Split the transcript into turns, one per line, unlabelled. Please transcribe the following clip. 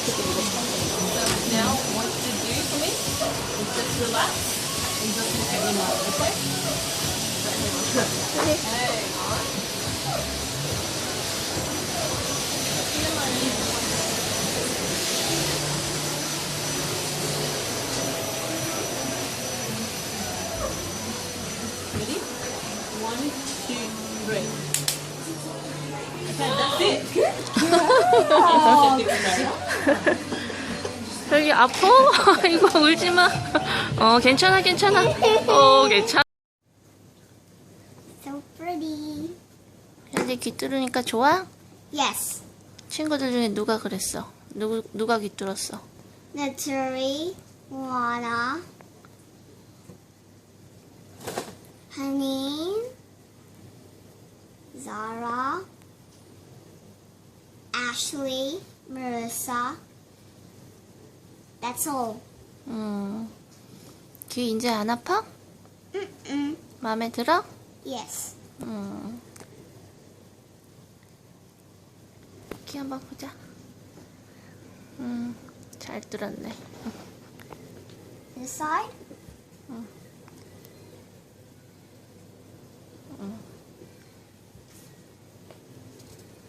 now, what you do for me is just relax and just look at your mouth, okay? Hang on. Ready? 1, 2, 3. Okay, that's it.
여기 아파? 이거 울지 마. 괜찮아, 괜찮아. 괜찮아.
So pretty.
현재 귀 뚫으니까 좋아?
Yes.
친구들 중에 누가 그랬어? 누가 귀 뚫었어?
Natalie, Lana, Honey, Zara, Ashley, Marissa. That's all.
귀 이제 안 아파?
Mm-mm.
마음에 들어?
Yes.
귀 한번 보자. 잘 뚫었네.
This side?
응.